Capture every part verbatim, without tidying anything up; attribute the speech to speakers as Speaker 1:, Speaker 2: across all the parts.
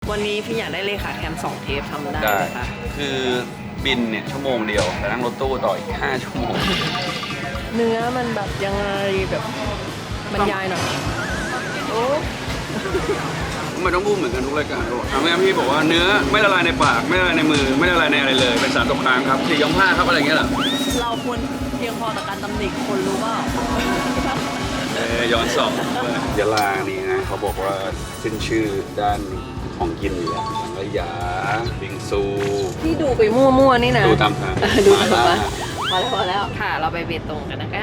Speaker 1: วันนี้พี่อยากได้เลขาแคมสองเทปทำได้
Speaker 2: ได้
Speaker 1: ไหมคะ
Speaker 2: คือบินเนี่ยชั่วโมงเดียวแต่นั่งรถตู้ต่ออีกห้าชั่วโมง
Speaker 1: เนื้อมันแบบยังไงแบบบรรยายหน่อยโอ้
Speaker 2: มันต้องพูดเหมือนกันทุกรายการทำให้พี่บอกว่าเนื้อไม่ละลายในปากไม่ละลายในมือไม่ละลายในอะไรเลยเป็นสารตกค้างครับสี่ยองผ้าครับอะไรอย่างเงี้ยเหรอ
Speaker 1: เราควรเพียงพอต่อการตำหนิคนรู้เปล่า
Speaker 2: เออย้อนสอบยะลานี่นะเขาบอกว่าขึ้นชื่อด้านของกินอยู่แล้วสังขยาบิงซู
Speaker 1: ที่ดูไปมั่วๆนี่นะ
Speaker 2: ดูตามทาง
Speaker 1: เออดู
Speaker 2: มา
Speaker 1: ตาม
Speaker 2: ล่า
Speaker 1: ทางพอแล้วพอแล้วค่ะเราไปเบตงกันนะคะ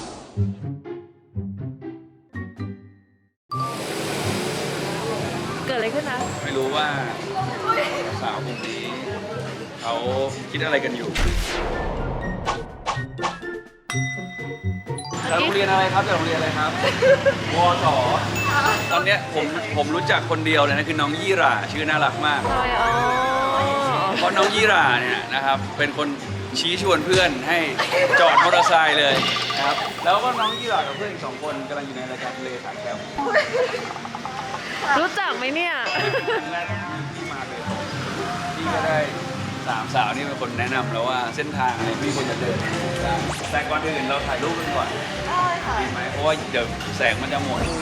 Speaker 1: เกิดอะไรขึ้นนะ
Speaker 2: ไม่รู้ว่าสาวกลุ่มนี้เขาคิดอะไรกันอยู่จากโรงเรียนอะไรครับจากโรงเรียนอะไรครับ วสตอนเนี้ยผมผมรู้จักคนเดียวเลยนะคือน้องยี่หร่าชื่อน่ารักมาก
Speaker 1: ใช่อ๋อ
Speaker 2: เพราะน้องยี่หร่าเนี่ยนะครับเป็นคนชี้ชวนเพื่อนให้จอดมอเตอร์ไซค์เลยนะครับแล้วก็น้องยี่หร่ากับเพื่อนอีกสองคนกำลังอยู่ในรายการทะเลสาบแก้ว
Speaker 1: รู้จักไหมเนี่ย
Speaker 2: ครั้งแรกที่มาเลยพี่ก็ได้สามสาวนี่เป็นคนแนะนำแล้วว่าเส้นทางอะไรพี่ควรจะเดินได้แต่ก่อนอื่นเราถ่ายรูปกันก่อนดีไหมเพราะว่าเดี๋ยวแสงมันจะหมด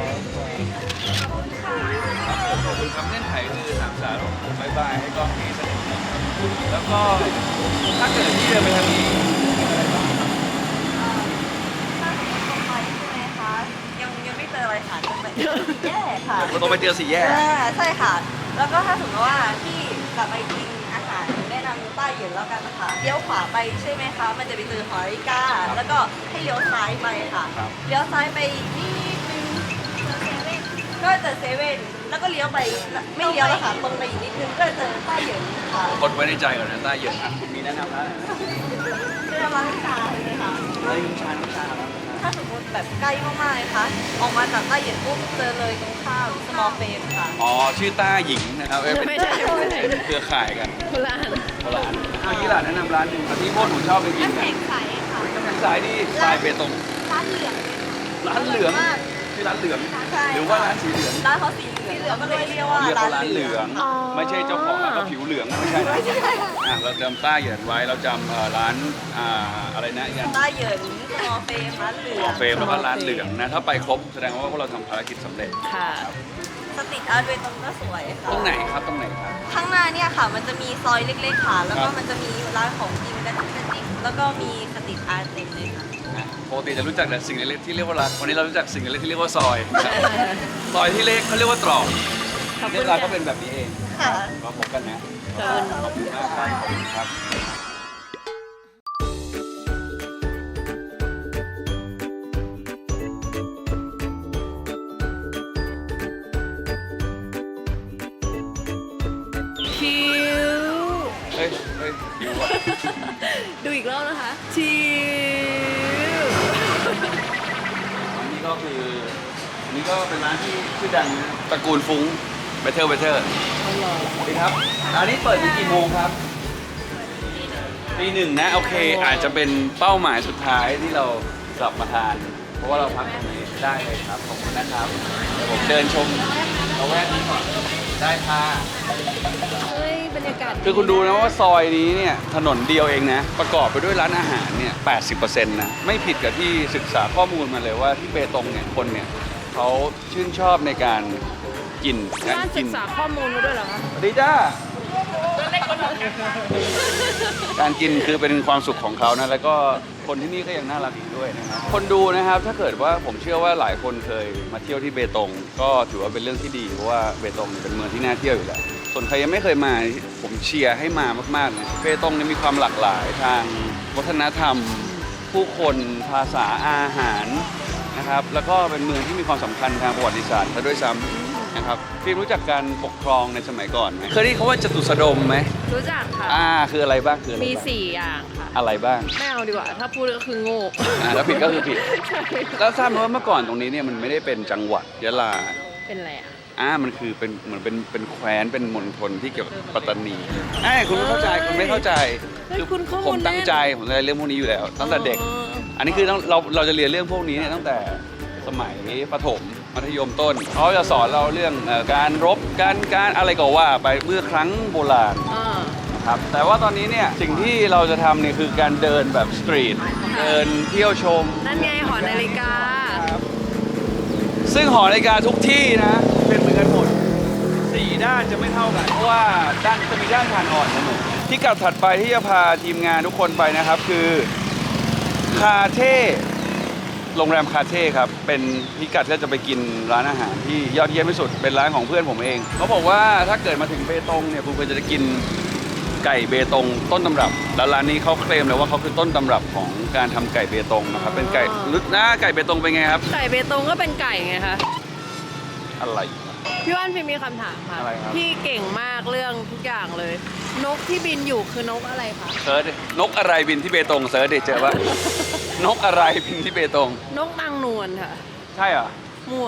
Speaker 2: ขอบคุณครับเล่นไถ่คือสามสาวบายบายให้กล้องนี้สักนิดนึงแล้วก็ถ้าเกิดพี่เดินไปทางนี้
Speaker 3: ยังยังไม่เจออะไรค่ะจะไปแย่ค่ะ
Speaker 2: เราต้องไปเจอสี่แยก
Speaker 3: อ่าใช่ค่ะ แล้วก็ถ้าสมมติว่าที่กลับไปกินอาหารแนะนำใต้เหยืนแล้วกันนะคะเลี้ยวขวาไปใช่ไหมคะมันจะไปเจอหอริก้าแล้วก็ให้เลี้ยวซ้ายไปค่ะเลี้ยวซ้ายไปนิดนึงก็เจอเซเว่นแล้วก็เลี้ยวไปไม่เลี้ยวแล้วค่ะตรงไปอีกนิดนึงก็เจอใต้เหยืนค่ะ
Speaker 2: กดไว้ในใจก่อนนะใต้เหยือกอ่ะคุณมีแนะนำแล้ว
Speaker 3: เรื่องร้านชาเลยค่ะ
Speaker 2: เฮ้ยน้ำชาน้ำชาแล้ว
Speaker 3: ถ้าสมมติแบบใกล้มากๆเลยคะออกมาจากใต้เหยียดปุ๊บเจอเลยตรงข้าม small frame ค่ะ
Speaker 2: อ๋อชื่อต้าหญิงนะครับเอ้ยเป็น
Speaker 1: ไม่ใช่ไม่ใช่
Speaker 2: เครือข่ายกัน
Speaker 1: คนละอัน
Speaker 2: คนละอันเมื่อกี้หลานแนะนำร้านหนึ่งที่พวกหนูชอบไปกิน
Speaker 3: น้ำ
Speaker 2: กั
Speaker 3: แข็
Speaker 2: น
Speaker 3: งใสค่ะ
Speaker 2: น้ำแข็งสายนี่สายเบตง
Speaker 3: ร้านเหลือง
Speaker 2: ร้านเหลือง
Speaker 3: มาก
Speaker 2: ชื่อร้านเหลือง
Speaker 3: ใช่
Speaker 2: หรือว่าร้านสีเหลือง
Speaker 3: ร้านเขาสีเหลืองก็เลยเรียกว่า
Speaker 2: เรียก
Speaker 3: ร้า
Speaker 2: ว่าน ร้าน
Speaker 3: เห
Speaker 2: เห
Speaker 3: ลื
Speaker 2: ลื
Speaker 3: อ
Speaker 2: อง ง ไม่ใช่เจ้าของร้านก็ผิวเหลืองไม่ใช่นะอ่ะเราจำต้าเหยินไว้เราจำเอ่อร้านอ่าอะไรนะอีกอัน
Speaker 3: ใต้เหยิน small frame ร้านเหลือง
Speaker 2: เฟรมแล้วก็ร้านเหลืองนะถ้าไปครบแสดงว่าพวกเราทำภารกิจสำเร็จ
Speaker 1: ค่ะ
Speaker 3: สตรีทอาร์ตเวตรงก็สวยค่ะ
Speaker 2: ตรงไหนครับตรงไหนครับ
Speaker 3: ข้างหน้าเนี่ยค่ะ มันจะมีซอยเล็กๆค่ะ แล้ว
Speaker 2: ค
Speaker 3: ก็
Speaker 2: รับ
Speaker 3: มันจะมีร้านของกินและเทคนิคแล้วก็มีสตรีทอาร์ตเต็มเลยค่ะ
Speaker 2: นะปกติจะรู้จักแต่สิ่งเล็กๆที่เรียกว่าร้านวันนี้เรารู้จักสิ่งเล็กๆที่เรียกว่าซอยนะครับซอยที่เล็กเขาเรียกว่าตรอก
Speaker 1: ขอบคุ
Speaker 2: เรื่อ
Speaker 1: ณ
Speaker 2: งราว
Speaker 1: ค่ะ
Speaker 2: ก็เป็นแบบนี้เอง
Speaker 3: ค่ะ
Speaker 2: มาพบกันนะ
Speaker 1: เชิญ
Speaker 2: ขอบคุณมากครับขอบคุณครับ
Speaker 1: คิว
Speaker 2: เฮ้ยเฮ้ยหิวอ่ะ
Speaker 1: ดูอีกรอบนะคะชิว
Speaker 2: อันนี้ก็คืออันนี้ก็เป็นร้านที่ชื่อดังนะตระกูลฟุ้งเบเทอร์เบเทอร์
Speaker 1: อร่อย
Speaker 2: สวัสดีครับร้านนี้เปิดที่กี่โมงครับตีหนึ่งนะโอเค อาจจะเป็นเป้าหมายสุดท้ายที่เรากลับมาทาน เพราะว่าเราพักตรงนี้ได้เลยครับขอบคุณนะครับเดี๋ยวผมเดินชมละแวกนี้ก่อนได้ค่ะ
Speaker 1: เฮ้ยบรรยากาศ
Speaker 2: คือคุณดูนะว่าซอยนี้เนี่ยถนนเดียวเองนะ ประกอบไปด้วยร้านอาหารเนี่ย แปดสิบเปอร์เซ็นต์ นะ ไม่ผิดกับที่ศึกษาข้อมูลมาเลยว่าที่เบตงเนี่ยคนเนี่ยเขาชื่นชอบในการกินการ
Speaker 1: น่า
Speaker 2: กิ
Speaker 1: ศึ
Speaker 2: น
Speaker 1: กษาข้อมูลมาด้วยเหรอคะ
Speaker 2: สวัสดีจ้า การกินคือเป็นความสุขของเขานะ แล้วก็คนที่นี่ก็ยังน่ารักอีกด้วยนะครับคนดูนะครับถ้าเกิดว่าผมเชื่อว่าหลายคนเคยมาเที่ยวที่เบตง ก็ถือว่าเป็นเรื่องที่ดีเพราะว่าเบตงเป็นเมืองที่น่าเที่ยวอยู่แล้วส่วนใครยังไม่เคยมาผมเชียร์ให้มามากๆนะเบตงเนี่ยมีความหลากหลายทางวัฒนธรรม ผู้คนภาษาอาหารนะครับแล้วก็เป็นเมืองที่มีความสำคัญทางประวัติศาสตร์ซะด้วยซ้ำนะครับพี่รู้จักการปกครองในสมัยก่อนไหมเคยได้ยินคำว่าจตุสดมไหม
Speaker 1: รู้จักค่ะ
Speaker 2: อ่าคืออะไรบ้างคืออะไร
Speaker 1: มี
Speaker 2: บ้าง
Speaker 1: สี่อย่างค่ะ
Speaker 2: อะไรบ้าง
Speaker 1: ไม่เอาดีกว่า ถ้าพูดก็คือโง่
Speaker 2: อ่าแล้วผิดก็คือผิด
Speaker 1: ใช่
Speaker 2: แล้วทราบไหมว่าเมื่อก่อนตรงนี้เนี่ยมันไม่ได้เป็นจังหวัดยะลา
Speaker 1: เป็นอะไรอ่ะ
Speaker 2: อ่ามันคือเป็นเหมือนเป็นเป็นแคว้นเป็นมณฑลที่เกี่ยวกับปัตตานีไอ้ยคุณไม่เข้าใจคุณไม่เข้าใจ
Speaker 1: เฮ้ยคุณข้อมูล
Speaker 2: ผมตั้ง
Speaker 1: แน่น
Speaker 2: ใจผมจะเรื่องพวกนี้อยู่แล้ว ตั้งแต่เด็ก
Speaker 1: อ๋อ
Speaker 2: อันนี้คือต้องเราเราจะเรียนเรื่องพวกนี้เนี่ยตั้งแต่สมัยประถมมัธยมต้นเขาจะสอนเราเรื่องเอ่อการรบการการอะไรก็ว่าไปเมื่อครั้งโบราณ
Speaker 1: อ่า
Speaker 2: ครับแต่ว่าตอนนี้เนี่ยสิ่งที่เราจะทำเนี่ยคือการเดินแบบสตรีทเดินเที่ยวชม
Speaker 1: นั่นไงหอนาฬิกา
Speaker 2: ซึ่งหอนาฬิกาทุกที่นะเป็นเหมือนกันหมดสี่ด้านจะไม่เท่ากันเพราะว่าด้านจะมีด้านผ่านอ่อนเสมอที่กลับถัดไปที่จะพาทีมงานทุกคนไปนะครับคือคาเท่โรงแรมคาเท่ครับเป็นพิกัดที่จะไปกินร้านอาหารที่ยอดเยี่ยมที่สุดเป็นร้านของเพื่อนผมเองเขาบอกว่าถ้าเกิดมาถึงเบตงเนี่ยคุณควรจะได้กินไก่เบตงต้นตำรับแล้วร้านนี้เขาเคลมเลยว่าเขาคือต้นตำรับของการทำไก่เบตงนะครับเป็นไก่ลึกนะไก่เบตงเป็นไงครับ
Speaker 1: ไก่เบตงก็เป็นไก่ไงคะ
Speaker 2: อะไร
Speaker 1: พี่ว่านพี่มีคำถามค่ะ
Speaker 2: อะไรครับ
Speaker 1: พี่เก่งมากเรื่องทุกอย่างเลย นกที่บินอยู่คือนกอะไรคะ
Speaker 2: เซิร์ชดินกอะไรบินที่เบตงเซิร์ชดิเจอปะ นกอะไรบินที่เบตง
Speaker 1: นกนางนวลค่ะ
Speaker 2: ใช่เหรอ
Speaker 1: มั่ว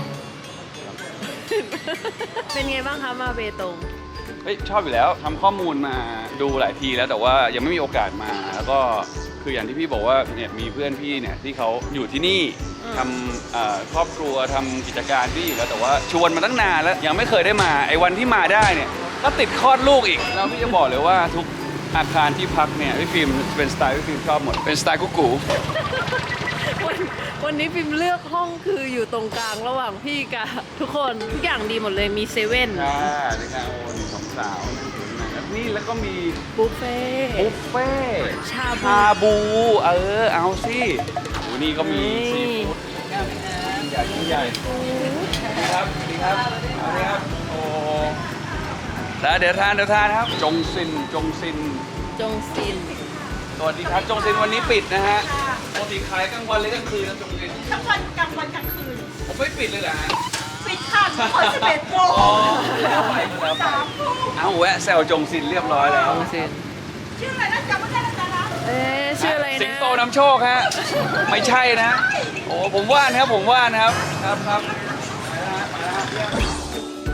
Speaker 1: เป็นไงบ้างคะมาเบตง
Speaker 2: เฮ้ยชอบอยู่แล้วทำข้อมูลมาดูหลายทีแล้วแต่ว่ายังไม่มีโอกาสมาแล้วก็คืออย่างที่พี่บอกว่าเนี่ยมีเพื่อนพี่เนี่ยที่เขาอยู่ที่นี่
Speaker 1: อืม
Speaker 2: ทำเอ่อครอบครัวทำกิจการที่อยู่แล้วแต่ว่าชวนมาตั้งนานแล้วยังไม่เคยได้มาไอ้วันที่มาได้เนี่ยก็ติดคลอดลูกอีกแล้วพี่จะบอกเลยว่าทุกอาคารที่พักเนี่ยพี่ฟิล์มเป็นสไตล์พี่ฟิล์มชอบหมดเป็นสไตล์กุ๊กกู
Speaker 1: วันวันนี้พิมเลือกห้องคืออยู่ตรงกลางระหว่างพี่กับทุกคนทุกอย่างดีหมดเลยมีเซเว่น
Speaker 2: ค่ะในงานโอนสองสาวนี่แล้วก็มี
Speaker 1: บุฟเฟ่ต์
Speaker 2: บุฟเฟ่
Speaker 1: ชาบู
Speaker 2: ชาบู เออ เอาสิโอ้นี่ก็มี
Speaker 1: นี่
Speaker 2: ซีฟู้ดใหญ่ยิ่งใหญ่ดีครับดีครับสวัสดีครับ โอ้แล้วเดี๋ยวทานเดี๋ยวทานครับ จงซิน จงซิน
Speaker 1: จงซิน
Speaker 2: สวัสดีครับ จงซินวันนี้ปิดนะฮะปกติขายกลางวันเลยกลางคืนนะจงซิน
Speaker 3: ทั้งวันกลางวันกลางคืน
Speaker 2: ผมไม่ปิดเลยเหรอฮะ
Speaker 3: ปิดค่ะทุกคนสิบเอ็ดโมง
Speaker 2: อ๋อแล้วไปแล้วไป
Speaker 3: สามทุ่ม
Speaker 2: เอาแวะแซวจงซินเรียบร้อยแล้ว
Speaker 1: จงซิน
Speaker 3: ชื่ออะไรนะจำไม่ได้แล้วจ้ะนะ
Speaker 1: เอ๊ะชื่ออะไรนะ
Speaker 2: สิงโตนำโชคฮะ ไม่ใช่นะ โอ้ผมว่านครับผมว่านครับ ครับครับไปแล้วฮะไปแล้วฮะ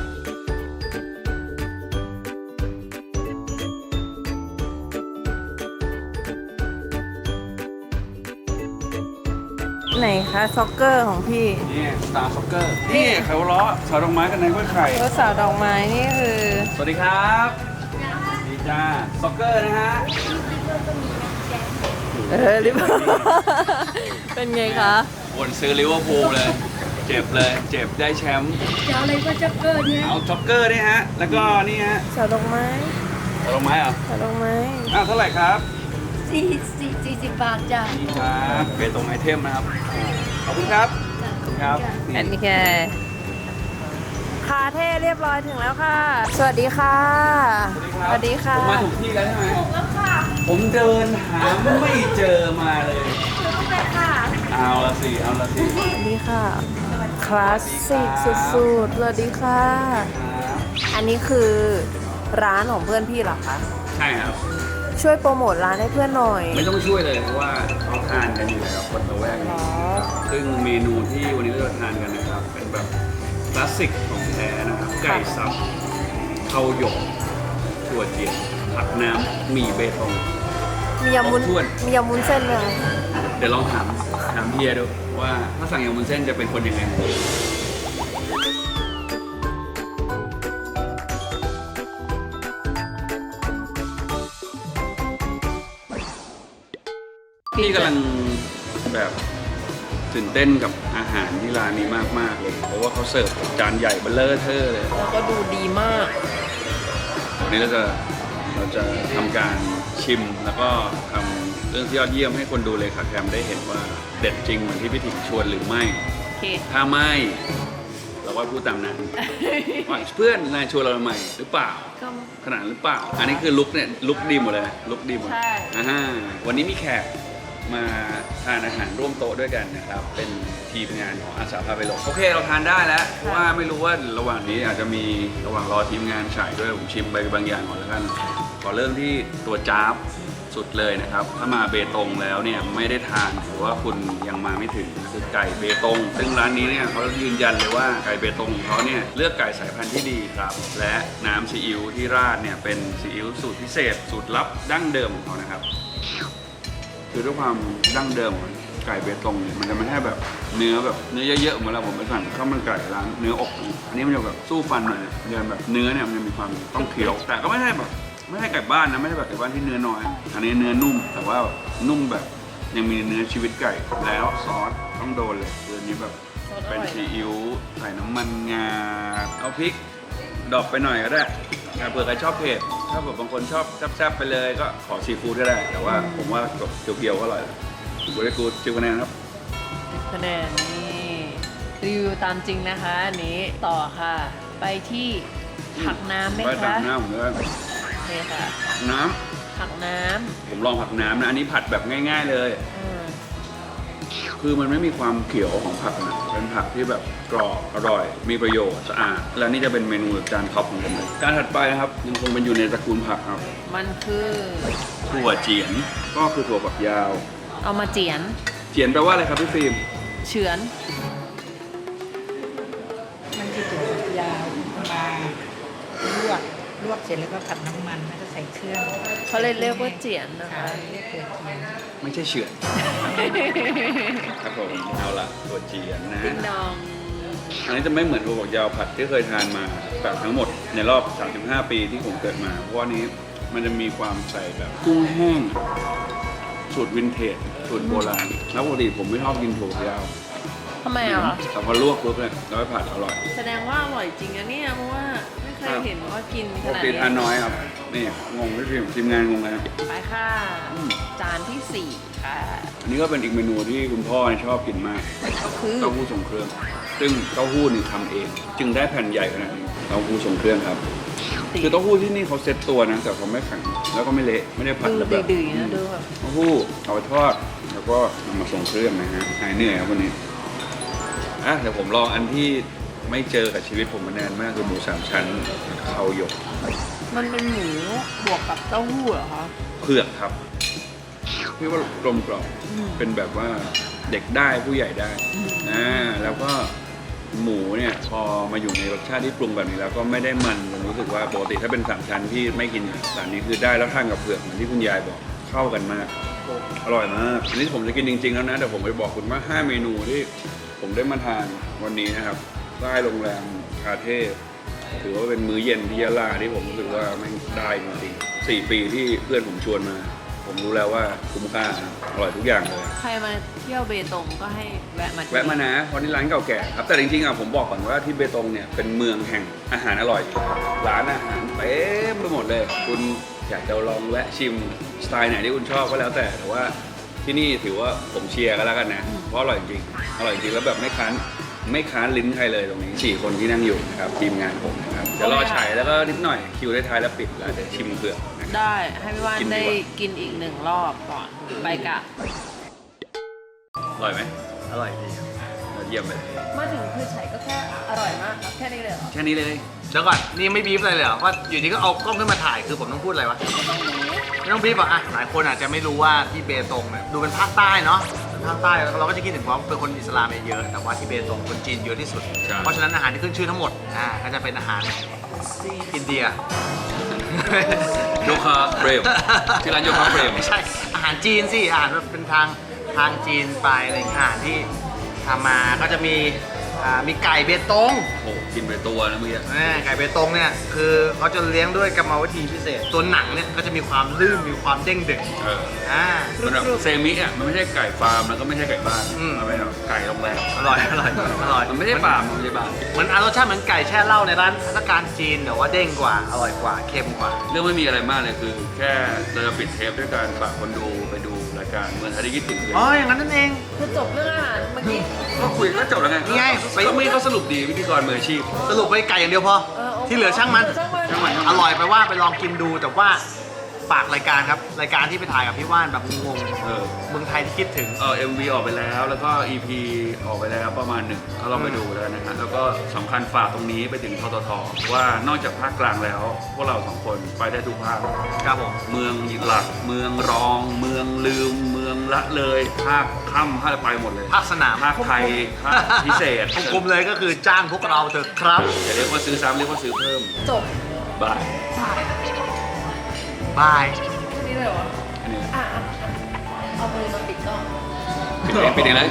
Speaker 1: ไหนคะซ็อกเกอร์ของพี่
Speaker 2: นี่สตาร์ซ็อกเกอร์ นี่เขาล้อสาวดอกไม้กันในกล้วยไข่
Speaker 1: รถสาวดอกไม้นี่คือ
Speaker 2: สวัสดีครับดีจ้าซ็อกเกอร์นะฮะ
Speaker 1: เออลิเวอร์พูลเป็นไงคะ
Speaker 2: วนซื้อลิเวอร์พูลเลย เจ็บเลย เจ็บได้แชมป์
Speaker 3: จะเอาอะไรก็จะเกิดเนี่ย
Speaker 2: เอาซ็อกเกอร์นี่ฮะ แล้วก็นี่ฮะ
Speaker 1: สาวดอกไม้
Speaker 2: สาวดอกไม้เหรอ
Speaker 1: สาวดอกไม้
Speaker 2: อ้าวเท่าไหร่ครับ
Speaker 3: สี่สี่สี่สิบบาทจ้ะ
Speaker 2: นี่ครับเบตงไอเทมนะครับ ขอบคุณครับขอบคุณครับ
Speaker 1: อันนี้แค่คาเท่เรียบร้อยถึงแล้วค่ะ สวัสดีค่ะ สวัสดีค่ะ
Speaker 2: ผมมาถูกที่แล้วใช่ไหม
Speaker 3: แล้วค่ะ
Speaker 2: ผมเดินหาไม่เจอมาเลย
Speaker 3: คือไปค่ะ
Speaker 2: เอาละสิ เอาละสิ
Speaker 1: สวัสดีค่ะ คลาสสิกสุดๆ สวัสดีค่ะ อันนี้คือร้านของเพื่อนพี่เหรอคะ
Speaker 2: ใช่ครับ
Speaker 1: ช่วยโปรโมทร้านให้เพื่อนหน่อย
Speaker 2: ไม่ต้องช่วยเลยเพราะว่าเขาทานกันอยู่แล้วคนละแวก
Speaker 1: หร
Speaker 2: นี้
Speaker 1: อ
Speaker 2: ซึ่งเมนูที่วันนี้เราจะทานกันนะครับ เป็นแบบคลาสสิกของแท้นะครับ ไก่สับข้าวหยกถั่วเจียวผักน้ำหมี่เบตง
Speaker 1: มียำวุ้น
Speaker 2: ครบถ้วน
Speaker 1: มียำวุ้นเส้นไหมคะ
Speaker 2: เดี๋ยวลองถามถามเฮียดูว่าถ้าสั่งยำวุ้นเส้นจะเป็นคนยังไง พี่กำลังแบบตื่นเต้นกับอาหารที่ร้านนี้มากๆเลย เพราะว่าเขาเสิร์ฟจานใหญ่เบลเลอร์เทอร์เลย
Speaker 1: แล้วก็ดูดีมาก
Speaker 2: วันนี้เราจะเราจะทำการชิมแล้วก็ทำเรื่องที่ยอดเยี่ยมให้คนดูเลยค่ะแคมได้เห็นว่าเด็ดจริงเหมือนที่พี่ถิ่งชวนหรือไม่
Speaker 1: โอเค
Speaker 2: ถ้าไม่เราก็พูดตามนั้นว่าเพื่อนนายชวนเราทำไมหรือเปล่า
Speaker 1: ก็
Speaker 2: ขนาดหรือเปล่า อันนี้คือลุกเนี่ยลุกดีหมดเลยลุกดีหมด
Speaker 1: ใช่
Speaker 2: อ่าฮะวันนี้มีแขกมาทานอาหารร่วมโต๊ะด้วยกันนะครับ เป็นทีมงานของอาสาพาไปหลงโอเคเราทานได้แล้วเพราะว่าไม่รู้ว่าระหว่างนี้อาจจะมีระหว่างรอทีมงานฉายด้วยผมชิมไปบางอย่างก่อนแล้วกันขอเริ่มที่ตัวจ้าบสุดเลยนะครับ ถ้ามาเบตงแล้วเนี่ยไม่ได้ทานหรือว่าคุณยังมาไม่ถึงคือไก่เบตง ซึ่งร้านนี้เนี่ยเขายืนยันเลยว่าไก่เบตงของเขาเนี่ยเลือกไก่สายพันธุ์ที่ดีครับและน้ำซีอิ๊วที่ราดเนี่ยเป็นซีอิ๊วสูตรพิเศษสูตรลับดั้งเดิมของเขานะครับคือด้วยความดั้งเดิมของไก่เบตงเนี่ยมันจะไม่ใช่แบบเนื้อแบบเนื้อเยอะๆเหมือนเราผมไปสั่งข้าวมันไก่ร้านเนื้ออกอันนี้มันจะแบบสู้ฟันหน่อยเนื้อแบบเนื้อเนี่ยมันจะมีความต้องเคี้ยวแต่ก็ไม่ใช่แบบไม่ใช่ไก่บ้านนะไม่ใช่แบบไก่บ้านที่เนื้อน้อยอันนี้เนื้อนุ่มแต่ว่านุ่มแบบยังมีเนื้อชีวิตไก่แล้วซอสต้องโดนเลยเรื่องนี้แบบเป็นซีอิ๊วใส่น้ำมันงาเอาพริกดอกไปหน่อยก็ได้เผื่อใครชอบเผ็ดถ้าแบบบางคนชอบแซ่บๆไปเลยก็ขอซีฟู้ดก็ได้แต่ว่าผมว่าแบบเพียวๆก็อร่อยบริกูดจิวคะแนนครับ
Speaker 1: คะแนนนี่รีวิวตามจริงนะคะอันนี้ต่อค่ะ ไปที่ผักน้ำไหม
Speaker 2: ไปตั
Speaker 1: คะ
Speaker 2: กน้ำผมด้วย
Speaker 1: โอเคค่ะ
Speaker 2: น้
Speaker 1: ผักน้
Speaker 2: ำผมลองผักน้ำนะอันนี้ผัดแบบง่าย ๆเลย
Speaker 1: ำอืม
Speaker 2: คือมันไม่มีความเขียวของผักนะเป็นผักที่แบบกรอบอร่อย มีประโยชน์สะอาดแล้วนี่จะเป็นเมนูจานท็อปของผมเลยจานถัดไปนะครับยังคงเป็นอยู่ในตระกูลผักครับ
Speaker 1: มันคือ
Speaker 2: ถั่วเจียนก็คือถั่วฝักยาว
Speaker 1: เอามาเจียน
Speaker 2: เจียนแปลว่าอะไรครับพี่ฟิล์ม
Speaker 1: เฉือน
Speaker 4: มันจะถั่วฝักยาวมาลวกลวกเสร็จแล้วก็ผัดน้ำมันแล้วก็ใส่เครื่อง
Speaker 1: เขาเลยเรียกว่าเจียนนะ
Speaker 4: ค่ะ
Speaker 1: คะ
Speaker 4: เรียกถั่วเจียน
Speaker 2: ไม่ใช่เฉือนครับผมเอาละถั่วเจียนนะ
Speaker 1: ติ๊งดอง
Speaker 2: อันนี้จะไม่เหมือนถั่วฝักยาวผัดที่เคยทานมาแบบทั้งหมดในรอบ สามสิบห้า ปีที่ผมเกิดมา เพราะว่านี้มันจะมีความใส่แบบกุ้งแห้งสูตรวินเทจสูตรโบราณแล้วปกติผมไม่ชอบกินถั่วฝักยาว
Speaker 1: ทำไมอ่ะ
Speaker 2: แต่พอลวกปุ๊บเนี่ยแล้วไปผัดอร่อย
Speaker 1: แสดงว่าอร่อยจริงนะเนี่ยเพราะว่าไม่เคยเห็นว่ากิน
Speaker 2: ป
Speaker 1: ข
Speaker 2: ก
Speaker 1: นาด
Speaker 2: ติ
Speaker 1: นี้
Speaker 2: ทานน้อยครับนี่งงพี่พิมพ์ทีมงานงงเลยครับ
Speaker 1: ไปค่ะ
Speaker 2: อืม
Speaker 1: จานที่สี่ค่ะ
Speaker 2: อันนี้ก็เป็นอีกเมนูที่คุณพ่อชอบกินมาก
Speaker 1: ก็คือ
Speaker 2: เต้าหู้ทรงเครื่อง ซึ่งเต้าหู้นี่ทำเอง จึงได้แผ่นใหญ่ขนาดนี้เต้าหู้ทรงเครื่องครับ คือเต้าหู้ที่นี่เขาเซ็ตตัวนะแต่เขาไม่แข็งแล้วก็ไม่เละไม่ได้ผัด
Speaker 1: ดู
Speaker 2: แบบ
Speaker 1: ดื้อๆนะดูแบบ
Speaker 2: เต้าหู้เอาไปทอดแล้วก็นำมาส่งเครื่องนะฮะหายเหนื่อยครับวันนี้อ่ะเดี๋ยวผมลองอันที่ไม่เจอกับชีวิตผมมานานมากคือหมูสามชั้นเขาหยก
Speaker 1: มันเป็นหมูบวกกับเต้าหู้เหรอคะ
Speaker 2: เผือกครับพี่ว่ากลมกล่อม
Speaker 1: อืม
Speaker 2: เป็นแบบว่าเด็กได้ผู้ใหญ่ได้
Speaker 1: อืม
Speaker 2: อ่าแล้วก็หมูเนี่ยพอมาอยู่ในรสชาติที่ปรุงแบบนี้แล้วก็ไม่ได้มันผมรู้สึกว่าปกติถ้าเป็นสามชั้นที่ไม่กินแต่อันนี้คือได้แล้วทานกับเผือกเหมือนที่คุณยายบอกเข้ากันมากอร่อยมากอันนี้ผมจะกินจริงๆแล้วนะแต่ผมไปบอกคุณว่าห้าเมนูที่ผมได้มาทานวันนี้นะครับใต้โรงแรมคาเท่ถือว่าเป็นมื้อเย็นที่ยะลาที่ผมรู้สึกว่าไม่งได้จริงๆสี่ปีที่เพื่อนผมชวนมา ผมรู้แล้วว่าคุ้มค่าอร่อยทุกอย่างเลย
Speaker 1: ใครมาเที่ยวเบตงก็ให้แวะมาที่
Speaker 2: แวะมานะเพราะนี่ร้านเก่าแก่ครับแต่จริงๆอ่ะผมบอกก่อนว่าที่เบตงเนี่ยเป็นเมืองแห่งอาหารอร่อยอยู่แล้วร้านอาหารเต็มไปหมดเลย คุณอยากจะลองแวะชิมสไตล์ไหนที่คุณชอบก็แล้วแต่แต่ว่าที่นี่ถือว่าผมเชียร์กันแล้วกันนะเพราะอร่อยจริงอร่อยจริงแล้วแบบไม่ค้านไม่ค้านลิ้นใครเลยตรงนี้สี่คนที่นั่งอยู่นะครับทีมงานผมนะครับจะรอฉายแล้วก็นิดหน่อยคิวได้ท้ายแล้วปิดแล้วเดี๋ยวชิมเผือกนะครับ
Speaker 1: ได้ให้พี่ว่าน
Speaker 2: กินดี
Speaker 1: ได้
Speaker 2: กว่า
Speaker 1: กินอีกหนึ่งรอบก่อนไปกะ
Speaker 2: อร่อยไหม
Speaker 5: อร่อยดีครับ
Speaker 2: เยี่ยมเลย
Speaker 1: มาถึงคือใช้ก็แค่อร่อยมากครับแค่นี้เลยเหรอ
Speaker 2: แค่นี้เลย
Speaker 5: เดี๋ยวก่อนนี่ไม่บีบอะไรเลยเหรอว่าอยู่ดีก็เอากล้องขึ้นมาถ่ายคือผมต้องพูดอะไรวะไม่ต้องบีบอ่ะอ่ะหลายคนอาจจะไม่รู้ว่าที่เบตงเนี่ยดูเป็นภาคใต้เนาะเป็นภาคใต้แล้วเราก็จะคิดถึงว่าเป็นคนอิสลามเยอะแต่ว่าที่เบตงคนจีนเยอะที่สุด
Speaker 2: ใช่
Speaker 5: เพราะฉะนั้นอาหารที่ขึ้นชื่อทั้งหมดอ่าก็จะเป็นอาหารอินเดีย
Speaker 2: โยคะเฟรมที่ร้านโยคะเฟรม
Speaker 5: ไม่ใช่อาหารจีนสิอาหารแบบเป็นทางทางจีนไปอะไรอย่างเงี้ยอาหารที่ทำมาก็จะมีอ่ามีไก่เบตง
Speaker 2: โอ้โหกินไปตัวนะเมื่อกี้
Speaker 5: แม่ไก่เบตงเนี่ยคือเขาจะเลี้ยงด้วยกรรมวิธีพิเศษ ตัวหนังเนี่ยก็จะมีความลื่นมีความเด้งดึง
Speaker 2: เออ
Speaker 5: อ่า
Speaker 2: มันแบบเซมิอ่ะมันไม่ใช่ไก่ฟาร์มแล้วก็ไม่ใช่ไก่บ้าน
Speaker 5: อืม
Speaker 2: มันเป็นแบบไก่โรงแรม
Speaker 5: อร่อยอร่อยอร่อย
Speaker 2: มันไม่ใช่ฟาร์มมันไม่ใช่บ้าน
Speaker 5: เหมือนอารสชาติเหมือนไก่แช่เหล้าในร้านพัฒการจีนแต่ว่าเด้งกว่าอร่อยกว่าเค็มกว่า
Speaker 2: เรื่องไม่มีอะไรมากเลยคือ แค่เราจะปิดเทปด้วยการฝากคนดูไปดูรายการเมืองไทยที่คิดถึงเลย
Speaker 5: อ๋ออย่างนั้นนั่นเอง
Speaker 1: คือจบเรื่องอาหารเมื่อกี้
Speaker 2: ก็คุยก็จบแล้วไง
Speaker 5: นี่ไง
Speaker 2: ไปก็ไม่เขาสรุปดีพิธีกรมืออาชีพ
Speaker 5: สรุปไปไก่อย่างเดียวพอ
Speaker 1: เออโอเค
Speaker 5: ที่เหลือช่างมัน
Speaker 1: ช่างมัน
Speaker 2: ช่างมัน
Speaker 5: อร่อยไปว่าไปลองกินดูแต่ว่าฝากรายการครับรายการที่ไปถ่ายกับพี่ว่านแบบงง
Speaker 2: เออ
Speaker 5: ๆเมืองไทยที่คิดถึง
Speaker 2: เออเอ็มวีออกไปแล้วแล้วก็ อี พี ออกไปแล้วประมาณหนึ่งก็ลองไปดูแล้วนะฮะแล้วก็สำคัญฝากตรงนี้ไปถึงทททว่านอกจากภาคกลางแล้ว พวกเราสองคนไปได้ทุกภาค
Speaker 5: ครับผม
Speaker 2: เมืองหลัก เมืองรอง เมืองลืม เมืองละเลย ภาคค่ำภาคไปหมดเลย
Speaker 5: ภาคสนาม
Speaker 2: ภาคไทย ภาคพิเศษ
Speaker 5: กลมๆเลยก็คือจ้างพวกเราเถอะครับ
Speaker 2: อย่าเรียกว่าซื้อซ้ำเรียกว่าซื้อเพิ่ม
Speaker 1: จบบ
Speaker 2: าย
Speaker 5: บาย
Speaker 1: แค่นี้เลยเหรอ
Speaker 2: อันนี้
Speaker 1: อ่ะอ่ะอ่ะเอามือมาปิดกล้อง
Speaker 2: ปิดเองปิดเองเลย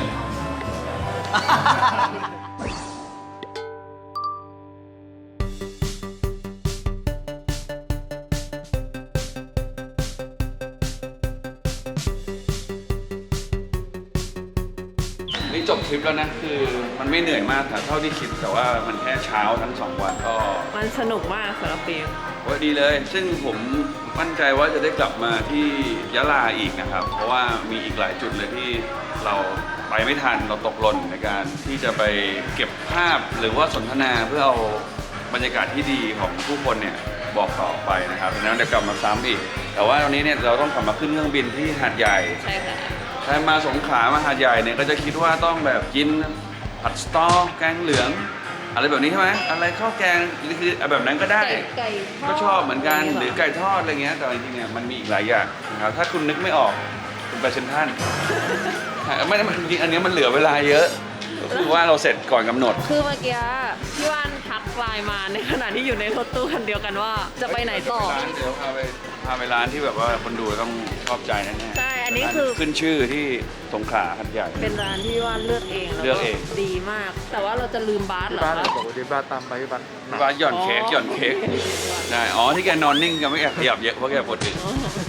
Speaker 2: นี่จบทริปแล้วนะ คือมันไม่เหนื่อยมากแต่เท่าที่คิดแต่ว่ามันแค่เช้าทั้งสองวันก็
Speaker 1: มันสนุกมากสำหรับปีม
Speaker 2: ว่าดีเลย ซึ่งผมมั่นใจว่าจะได้กลับมาที่ยะลาอีกนะครับ เพราะว่ามีอีกหลายจุดเลยที่เราไปไม่ทันเราตกหล่นในการที่จะไปเก็บภาพหรือว่าสนทนาเพื่อเอาบรรยากาศที่ดีของผู้คนเนี่ยบอกต่อไปนะครับดังนั้นเดี๋ยวกลับมาซ้ำอีก แต่ว่าตอนนี้เนี่ยเราต้องกลับมาขึ้นเครื่องบินที่หาดใหญ่
Speaker 1: ใช่ค่ะ
Speaker 2: ใครมาสงขลามาหาดใหญ่เนี่ยก็จะคิดว่าต้องแบบกินผัดสตอแกงเหลือง อะไรแบบนี้ใช่ไหมอะไรข้าวแกงคือแบบนั้นก็ได้
Speaker 1: ไก่ไก่ทอด
Speaker 2: ก็ชอบเหมือนกันหรือไก่ทอดอะไรเงี้ยแต่จริงๆเนี่ยมันมีอีกหลายอย่างนะครับถ้าคุณนึกไม่ออกคุณไปเซ็นทรัล ไม่ได้จริงๆอันนี้มันเหลือเวลาเยอะก็คือว่าเราเสร็จก่อนกำหนด
Speaker 1: คือเมื่อกี้พี่ว่านทักไลน์มาในขณะที่อยู่ในรถตู้คันเดียวกันว่าจะไปไหนต่อ
Speaker 2: ร้านเดี๋ยวพาไปพาไปร้านที่แบบว่าคนดูต้องชอบใจแน่ๆ
Speaker 1: ใช่อันนี้คือ
Speaker 2: ขึ้นชื่อที่สงขลาหัดใหญ่
Speaker 1: เป็นร้านที่ว่านเลือกเองแล้ว
Speaker 2: เลือกเอง
Speaker 1: ดีมาก แต่ว่าเราจะลืมบาสเหรอ
Speaker 5: บ้าน
Speaker 1: คะ
Speaker 5: บอกว่าที่บ้านตามไปบ้าน
Speaker 2: ร้านหย่อนเค้กหย่อนเค้กได้อ๋อที่แกนอนนิ่งแกไม่แอบขยับเยอะเพราะแกปวดอึ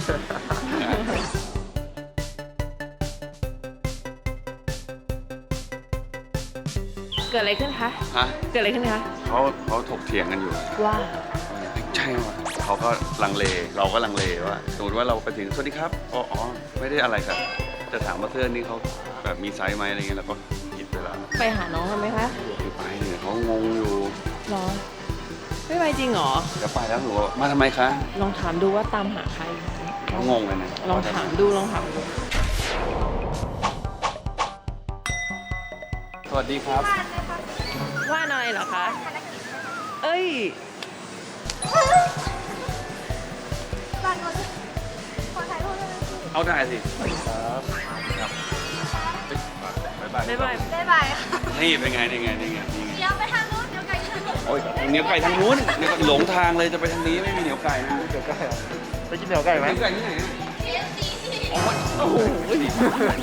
Speaker 1: เกิดอะไรขึ้นคะ
Speaker 2: ฮะ
Speaker 1: เกิดอะไรขึ้นคะ
Speaker 2: เขาเขาถกเถียงกันอยู่
Speaker 1: ว่า
Speaker 2: ใช่ว่ะเขาก็ลังเลเราก็ลังเลว่าสมมติว่าเราไปถึงสวัสดีครับอ๋ออ๋อไม่ได้อะไรครับจะถามว่าเสื้อนี้เขาแบบมีไซส์ไหมอะไรเงี้ยเราก็หยิบเวลา
Speaker 1: ไปหาน้องกันไหมคะ
Speaker 2: ไม่ไปเนี่ยเขางงอยู่
Speaker 1: หรอ ไม่ไปจริงเหรอ
Speaker 2: จะไปแล้วหนูบอกมาทำไมคะ
Speaker 1: ลองถามดูว่าตามหาใคร
Speaker 2: เขางงเลยนะ
Speaker 1: ลองถามดูลองถามดู
Speaker 2: สวัสดีครับ
Speaker 1: ว่าอะไรเหรอคะ เอ้ย
Speaker 2: เอาได้สิครับครับบ๊ายบาย
Speaker 1: บ๊ายบาย
Speaker 3: บ๊ายบายค่ะ
Speaker 2: นี่เป็นไงนี่ไงนี่ไงนี่ไง
Speaker 3: เดี๋ยวไปทางนู้นเดี๋ยวไก่ชน
Speaker 2: โอ้ยเหนียวไก่ทางนู้นเดี๋ยวก็หลงทางเลยจะไปทางนี้ไม่มีเหนียวไก่นะเหนียวไก่
Speaker 5: ไปกินเหนียวไก่ไหม
Speaker 2: เหนียวไก่ที่ไหนอะ
Speaker 1: โอ้โห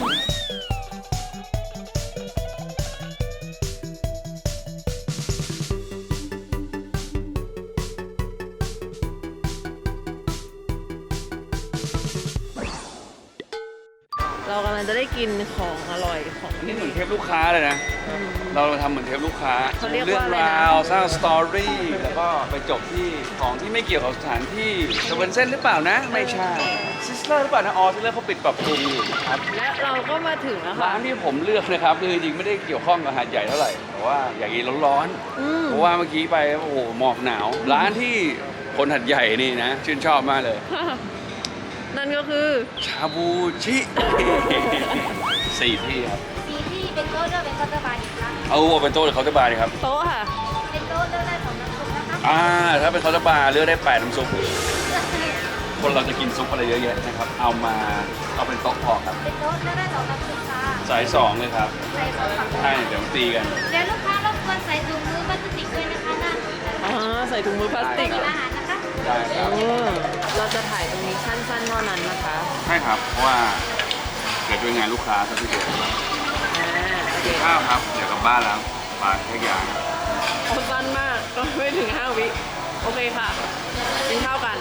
Speaker 1: เรากำลังจะได้กินของอร่อยของ
Speaker 2: อันนี้เหมือนเทปลูกค้าเลยนะ เราทำเหมือนเทปลูกค้า
Speaker 1: เขาเรียก
Speaker 2: เรื่
Speaker 1: ว่าอะไรนะ
Speaker 2: ราวสร้างสตอรี่แล้วก็ไปจบที่ของที่ไม่เกี่ยวกับสถานที่จะเป็นเส้นหรือเปล่านะ ไม่ใช่ซิสเลอร์หรือเปล่านะอ๋อซิสเลอร์เขาปิดปรับปรุงอยู่นะครับ
Speaker 1: และเราก็มาถึงแล้ว
Speaker 2: ร้า
Speaker 1: ค่ะ
Speaker 2: นที่ผมเลือกนะครับคือจริงๆไม่ได้เกี่ยวข้องกับหาดใหญ่เท่าไหร่แต่ว่าอยากกินร้อน
Speaker 1: อืม
Speaker 2: ๆเพราะว่าเมื่อกี้ไปโอ้โหหมอกหนาว ร้านที่คนหัดใหญ่นี่นะ ชื่นชอบมากเลย
Speaker 1: นั่นก็คือ
Speaker 2: ชาบูชิ สี่ที่ครับ
Speaker 6: สีที่เป็นโต๊ะเลือกเป็นคัตเตอร์บาร์อีกครั้ง
Speaker 2: เอาเป็นโต๊ะหรือเคาน์เตอร์บาร์ดีครับ
Speaker 1: โต๊ะค่ะ
Speaker 6: เป็นโต๊ะเลือกได้สองน้ำซุปนะคะ
Speaker 2: อ่าถ้าเป็นเคาน์เตอร์บาร์เลือกได้แปดน้ำซุป คนเราจะกินซุปอะไรเยอะแยะนะครับ เอามาเอาเป็นโต๊ะพอครับ
Speaker 6: เป็นโต๊ะเลือกได้สองน้ำซุปค่ะ
Speaker 2: สายสองเลยครับ
Speaker 6: ใส่สองฝั่ง
Speaker 2: ใช่เดี๋ยวตีกัน
Speaker 6: เดี๋ยวลูกค้ารบกวนใส่ถุงมือพลาสติกด้วยนะคะนั่น
Speaker 1: อ่า ใส่ถุงมือพลาสติก
Speaker 6: เป็นอาหารนะคะ
Speaker 2: ได้ครับ
Speaker 1: เออเราจะถ่ายตรงนี้สั้นๆเท่านั้นนะคะ
Speaker 2: ใช่ครับ เพราะว่าเกิดด้วยงานลูกค้าซะทีเดียว
Speaker 1: อ่า โอเค
Speaker 2: ข้าวครับ เดี๋ยวกลับบ้านแล้วปลาแค่อย่าง
Speaker 1: โอ้สั้นมาก ก็ไม่ถึงห้าวิ โอเคค่ะ กินข้าวกัน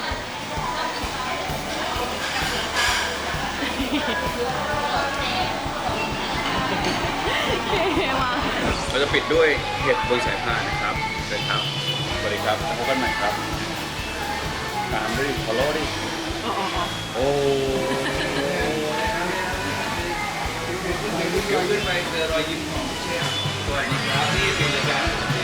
Speaker 1: เฮ้มา
Speaker 2: เราจะปิดด้วยเห็ดบนสายพานนะครับเชิญครับ สวัสดีครับแล้วพบกันใหม่ครับ ตามด้วย follow ดิ
Speaker 1: อ๋ออ๋ออ๋อ
Speaker 2: โอ้ยกขึ้นไปเจอรอยยิ้มของเชฟสวัสดีครับนี่เป็นรายการ